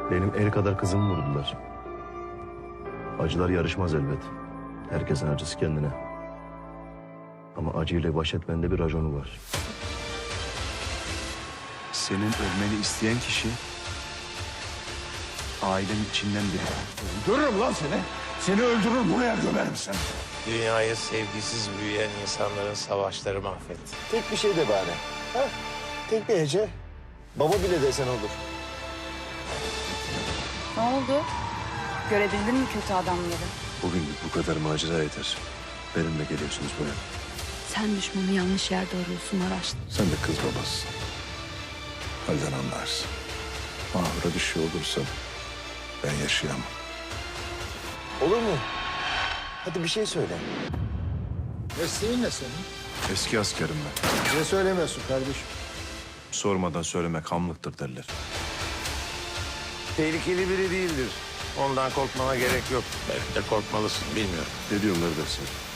Benim el kadar kızımı vurdular. Acılar yarışmaz elbet. Herkesin acısı kendine. Ama acıyla baş etmenin bir raconu var. Senin ölmeni isteyen kişi ailenin içinden biri. Öldürürüm lan seni. Seni öldürür buraya gömerim seni. Dünyayı sevgisiz büyüyen insanların savaşları mahvetti. Tek bir şey de bari. Ha? Tek bir hece. Baba bile desen olur. Ne oldu? Görebildin mi kötü adamları? Bugünlük bu kadar macera yeter. Benimle geliyorsunuz buraya. Sen düşmanı yanlış yerde arıyorsun Maraş. Sen de kız babasısın. Halden anlarsın. Mahvura bir şey olursa ben yaşayamam. Olur mu? Hadi bir şey söyle. Mesleğin ne senin? Eski askerim ben. Niye söylemiyorsun kardeşim? Sormadan söylemek hamlıktır derler. Tehlikeli biri değildir. Ondan korkmana gerek yok. Belki de korkmalısın, bilmiyorum. Ne diyorlar dersin?